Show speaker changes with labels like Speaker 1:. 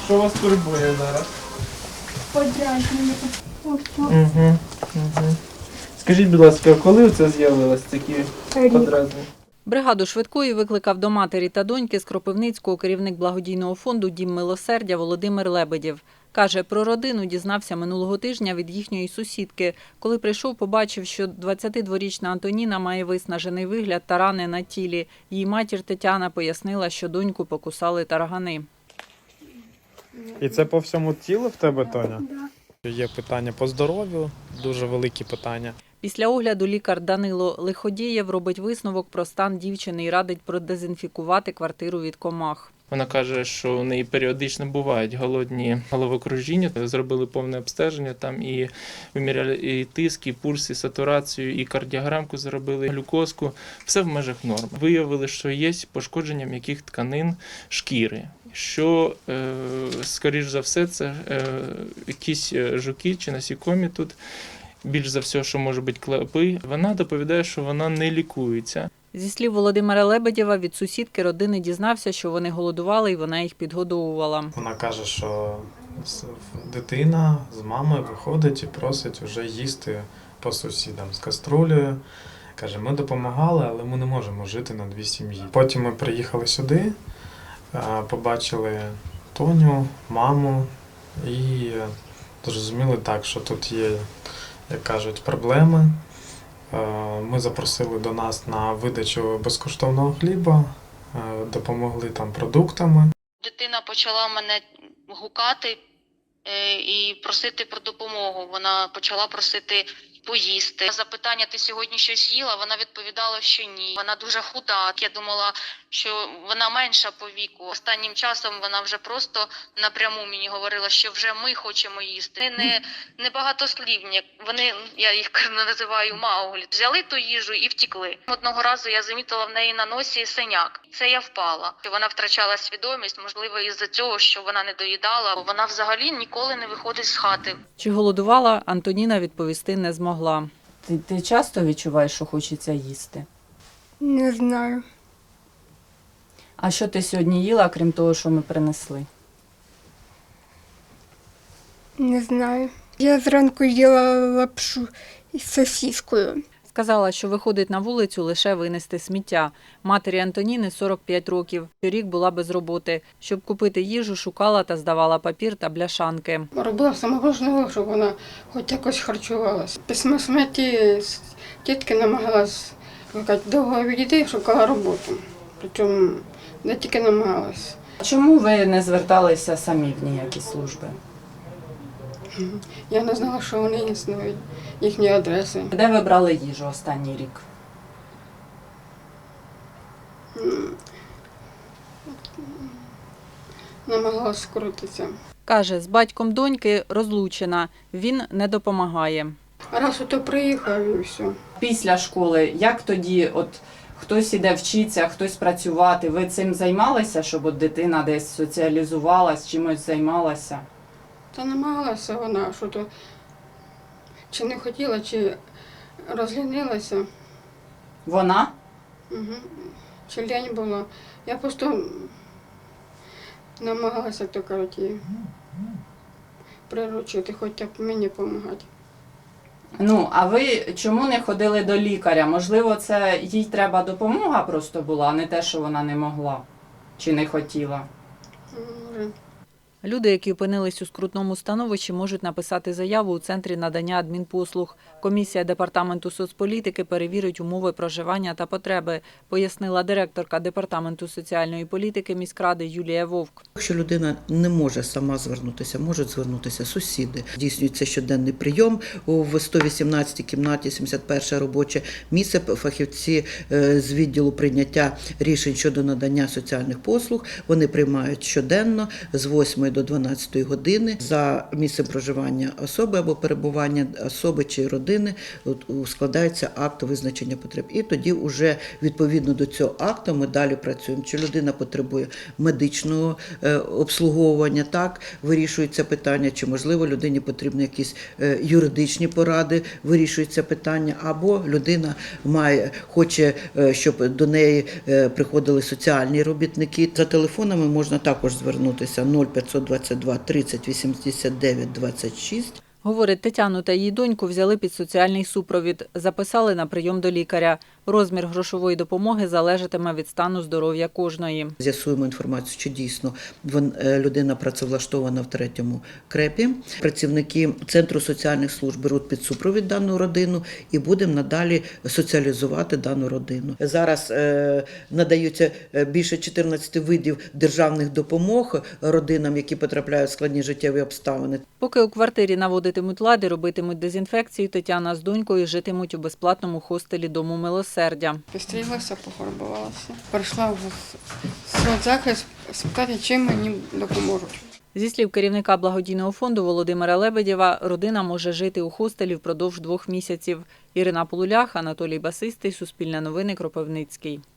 Speaker 1: Що вас турбує зараз?
Speaker 2: Подразнення.
Speaker 1: Угу. Скажіть, будь ласка, коли це з'явилось такі подразнення?
Speaker 3: Бригаду швидкої викликав до матері та доньки з Кропивницького керівник благодійного фонду «Дім милосердя» Володимир Лебедєв. Каже, про родину дізнався минулого тижня від їхньої сусідки. Коли прийшов, побачив, що 22-річна Антоніна має виснажений вигляд та рани на тілі. Її матір Тетяна пояснила, що доньку покусали таргани.
Speaker 4: І це по всьому тілу в тебе, Тоня? Є питання по здоров'ю, дуже великі питання.
Speaker 3: Після огляду лікар Данило Лиходієв робить висновок про стан дівчини і радить продезінфікувати квартиру від комах.
Speaker 1: Вона каже, що у неї періодично бувають голодні головокружіння. Зробили повне обстеження, там і виміряли і тиск, і пульс, і сатурацію, і кардіограмку зробили, глюкозку. Все в межах норм. Виявили, що є пошкодження м'яких тканин шкіри. Що, скоріш за все, це якісь жуки чи насікомі тут. Більш за все, що може бути клопи. Вона доповідає, що вона не лікується.
Speaker 3: Зі слів Володимира Лебедєва, від сусідки родини дізнався, що вони голодували і вона їх підгодовувала.
Speaker 4: Вона каже, що дитина з мамою виходить і просить вже їсти по сусідам з каструлею. Каже, ми допомагали, але ми не можемо жити на дві сім'ї. Потім ми приїхали сюди, побачили Тоню, маму і зрозуміли так, що тут є, як кажуть, проблеми. Ми запросили до нас на видачу безкоштовного хліба, допомогли там продуктами.
Speaker 5: Дитина почала мене гукати і просити про допомогу. Вона почала просити поїсти. Запитання, ти сьогодні щось їла? Вона відповідала, що ні. Вона дуже худа. Я думала, що вона менша по віку. Останнім часом вона вже просто напряму мені говорила, що вже ми хочемо їсти. Вони не багатослівні. Вони, я їх називаю мауглі. Взяли ту їжу і втікли. Одного разу я замітила в неї на носі синяк. Це я впала. Вона втрачала свідомість, можливо, із-за цього, що вона не доїдала. Вона взагалі ніколи не виходить з хати.
Speaker 3: Чи голодувала, Антоніна відповісти не змогла. Ти часто відчуваєш, що хочеться їсти?
Speaker 2: Не знаю.
Speaker 3: А що ти сьогодні їла, крім того, що ми принесли?
Speaker 2: Не знаю. Я зранку їла лапшу із сосіскою.
Speaker 3: Сказала, що виходить на вулицю лише винести сміття. Матері Антоніни 45 років. Торік була без роботи. Щоб купити їжу, шукала та здавала папір та бляшанки.
Speaker 6: Робила все можливе, щоб вона хоч якось харчувалася. Після смерті тітки намагалась, довго відійти, шукала роботу. Причому не тільки намагалась.
Speaker 3: Чому ви не зверталися самі в ніякі служби?
Speaker 6: Я не знала, що вони існують, їхні адреси.
Speaker 3: Де ви брали їжу останній рік?
Speaker 6: Намагалась скрутитися.
Speaker 3: Каже, з батьком доньки розлучена. Він не допомагає.
Speaker 6: Раз ото приїхав і все.
Speaker 3: Після школи, як тоді, хтось іде вчитися, хтось працювати, ви цим займалися, щоб дитина десь соціалізувалась, чимось займалася?
Speaker 6: Та намагалася вона, що то чи не хотіла, чи розлінилася.
Speaker 3: Вона?
Speaker 6: Угу. Чи лень була. Я просто намагалася, як то кажуть, її приручити, хоч так мені допомагати.
Speaker 3: Ну, а ви чому не ходили до лікаря? Можливо, це їй треба допомога просто була, а не те, що вона не могла чи не хотіла?
Speaker 6: Може.
Speaker 3: Люди, які опинились у скрутному становищі, можуть написати заяву у Центрі надання адмінпослуг. Комісія Департаменту соцполітики перевірить умови проживання та потреби, пояснила директорка Департаменту соціальної політики міськради Юлія Вовк.
Speaker 7: Якщо людина не може сама звернутися, можуть звернутися сусіди. Здійснюється щоденний прийом в 118-й кімнаті, 71 робоче місце. Фахівці з відділу прийняття рішень щодо надання соціальних послуг. Вони приймають щоденно з 8 до 12 години за місцем проживання особи або перебування особи чи родини складається акт визначення потреб. І тоді вже відповідно до цього акту ми далі працюємо. Чи людина потребує медичного обслуговування, так, вирішується питання, чи можливо людині потрібні якісь юридичні поради, вирішується питання, або людина хоче, щоб до неї приходили соціальні робітники. За телефонами можна також звернутися 0500 922 30 89 26.
Speaker 3: Говорить, Тетяну та її доньку взяли під соціальний супровід, записали на прийом до лікаря. Розмір грошової допомоги залежатиме від стану здоров'я кожної.
Speaker 7: З'ясуємо інформацію, чи дійсно людина працевлаштована в 3-му КРЕПі. Працівники Центру соціальних служб беруть під супровід дану родину і будемо надалі соціалізувати дану родину. Зараз надаються більше 14 видів державних допомог родинам, які потрапляють в складні життєві обставини.
Speaker 3: Поки у квартирі наводитимуть лад і робитимуть дезінфекцію, Тетяна з донькою житимуть у безплатному хостелі Дому милосердя.
Speaker 6: Пострілася, пофарбувалася. Прийшла в соцзахист спитати, чим мені допоможуть.
Speaker 3: Зі слів керівника благодійного фонду Володимира Лебедєва, родина може жити у хостелі впродовж 2 місяців. Ірина Полулях, Анатолій Басистий, Суспільне новини, Кропивницький.